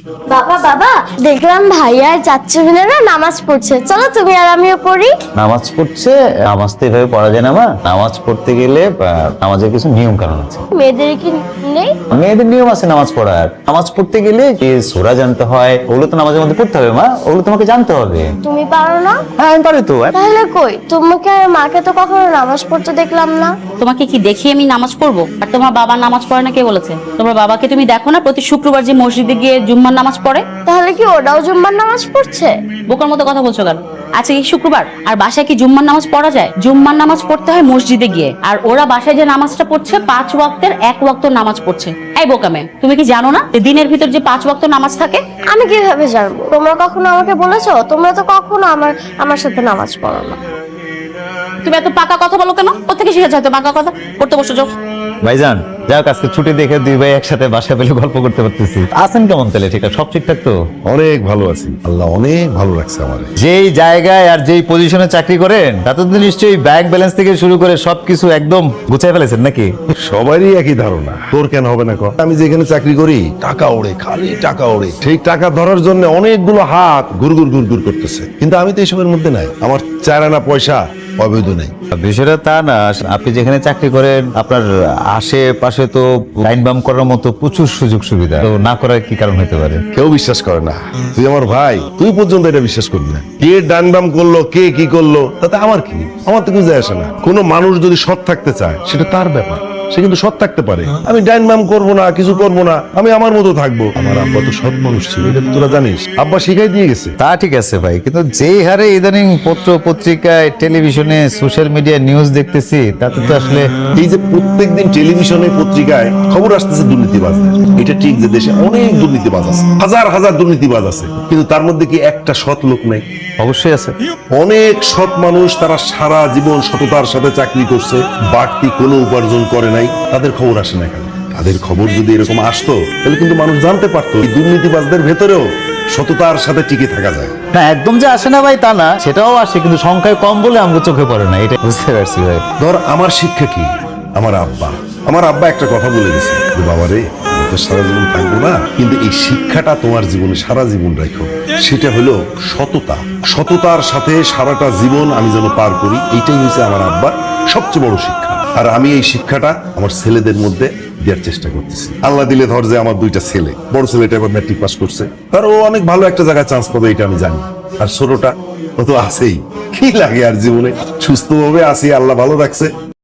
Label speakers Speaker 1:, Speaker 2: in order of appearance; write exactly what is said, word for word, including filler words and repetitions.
Speaker 1: বাবা বাবা দেখলাম ভাইয়া আর চাচ্চু মিলে না নামাজ পড়ছে, চলো তুমি আর আমিও পড়ি।
Speaker 2: নামাজ পড়ছে? নামাজ তো এভাবে পড়া যায় না মা। নামাজ পড়তে গেলে আহ, নামাজের কিছু নিয়ম কানুন আছে।
Speaker 1: মেয়েদের কি নেই?
Speaker 2: মেয়েদের নিয়ম আছে নামাজ পড়ার। নামাজ পড়তে গেলে যে সূরা জানতে হয়, ওগুলো তো নামাজের মধ্যে পড়তে হবে মা, ওগুলো তোমাকে জানতে হবে।
Speaker 1: তুমি পারো না?
Speaker 2: হ্যাঁ আমি পারি তো।
Speaker 1: তাহলে কই তোমাকে আর মাকে তো কখনো নামাজ পড়তে দেখলাম না।
Speaker 3: তোমাকে কি দেখি আমি নামাজ পড়বো? আর তোমার বাবা নামাজ পড়ে না কে বলেছে? তোমার বাবাকে তুমি দেখো না প্রতি শুক্রবার যে মসজিদে গিয়ে জুম্মার নামাজ পড়ে?
Speaker 1: তাহলে কি ওরাও জুম্মার নামাজ পড়ছে?
Speaker 3: বোকার মতো কথা বলছো কেন? আজকে কি শুক্রবার আর বাসায় কি জুম্মার নামাজ পড়া যায়? জুম্মার নামাজ পড়তে হয় মসজিদে গিয়ে, আর ওরা বাসায় যে নামাজটা পড়ছে পাঁচ ওয়াক্তের এক ওয়াক্ত নামাজ পড়ছে। এই বোকামে, তুমি কি জানো না যে দিনের ভিতর যে পাঁচ ওয়াক্ত নামাজ থাকে?
Speaker 1: আমি কিভাবে জানবো? তোমরা কখনো আমাকে বলেছো? তোমরা তো কখনো আমার আমার সাথে নামাজ পড়ো না।
Speaker 3: তুমি এত পাকা কথা বলো কেন? কোথেকে শিখেছো এত পাকা কথা? পড়তে বসে যাও।
Speaker 2: ভাইজান যাক, আজকে ছুটি দেখে দুই ভাই একসাথে বাসায় পেলে গল্প করতে পারতেছি। আছেন কেমন তাহলে? ঠিক আছে, সব ঠিকঠাক তো?
Speaker 4: অনেক ভালো আছি, আল্লাহ অনেক ভালো রাখছে আমার।
Speaker 2: যেই জায়গায় আর যেই পজিশনে চাকরি করেন তাতে তো নিশ্চয়ই ব্যাংক ব্যালেন্স থেকে শুরু করে সবকিছু একদম গুছাই ফেলেছেন নাকি?
Speaker 4: সবারই একই ধারণা, তোর কেন হবে না? কর, আমি যেখানে চাকরি করি টাকা ওড়ে, খালি টাকা ওড়ে। সেই টাকা ধরার জন্য অনেকগুলো হাত গুড়গুড় গুড়গুড় করতেছে, কিন্তু আমি তো এসবের মধ্যে নাই। আমার চার আনা পয়সা অবৈধ নেই।
Speaker 2: বিষয়টা তা না, আপনি যেখানে চাকরি করেন আপনার আশেপাশে তো লাইন বাম করার মতো প্রচুর সুযোগ সুবিধা, তো না করার কি কারণ হতে পারে?
Speaker 4: কেউ বিশ্বাস করে না। তুই আমার ভাই, তুই পর্যন্ত এটা বিশ্বাস করবি না। কে ডান বাম করলো, কে কি করলো, তাতে আমার কি? আমার তো কিছু যায় আসে না। কোনো মানুষ যদি সৎ থাকতে চায় সেটা তার ব্যাপার, সে কিন্তু সৎ থাকতে পারে। আমি ডাইন বাম করবো না, কিছু করবো না, আমি আমার মতো থাকবো। আমার আব্বা তো সৎ মানুষ ছিল, এটা তো তোরা জানিস। আব্বা শিখাই দিয়ে গেছে।
Speaker 2: তা ঠিক আছে ভাই, কিন্তু যেই হারে ইদানিং পত্র পত্রিকায় টেলিভিশনে সোশ্যাল মিডিয়া নিউজ দেখতেছি তাতে তো আসলে
Speaker 4: এই যে প্রত্যেকদিন টেলিভিশনে পত্রিকায় খবর আসতেছে দুর্নীতিবাজদের, এটা ঠিক যে দেশে অনেক দুর্নীতিবাজ আছে, হাজার হাজার দুর্নীতিবাজ আছে, কিন্তু তার মধ্যে কি একটা সৎ লোক নেই?
Speaker 2: অবশ্যই আছে।
Speaker 4: অনেক সৎ মানুষ, তারা সারা জীবন সততার সাথে চাকরি করছে, বাড়তি কোনো উপার্জন করে নাই, তাদের খবর আসে না কেন? তাদের খবর যদি এরকম আসতো তাহলে কিন্তু মানুষ জানতে পারতো এই দুর্নীতিবাজদের ভেতরেও সততার সাথে টিকে থাকা যায়।
Speaker 2: না একদম যে আসে না ভাই তা না, সেটাও আসে, কিন্তু সংখ্যায় কম বলে আমাকে চোখে পড়ে না, এটা বুঝতে পারছি ভাই।
Speaker 4: ধর আমার শিক্ষা কি, আমার আব্বা আমার আব্বা একটা কথা বলে গেছে যে বাবা রে, আমি তো সারা জীবন থাকবো না, কিন্তু এই শিক্ষাটা তোমার জীবনে সারা জীবন রাখো। সেটা হলো সততা। সততার সাথে সারাটা জীবন আমি যেন পার করি, এইটাই হচ্ছে আমার আব্বার সবচেয়ে বড় শিক্ষা। আর আমি এই শিক্ষাটা আমার ছেলেদের মধ্যে দেওয়ার চেষ্টা করতেছি। আল্লাহ দিলে ধর যে আমার দুইটা ছেলে, বড় ছেলেটা এবার ম্যাট্রিক পাস করছে, তার ও অনেক ভালো একটা জায়গায় চান্স পাবে, এটা আমি জানি। আর ছোটটা ও তো আছেই, কি লাগে আর জীবনে, সুস্থভাবে আছি, আল্লাহ ভালো রাখছে।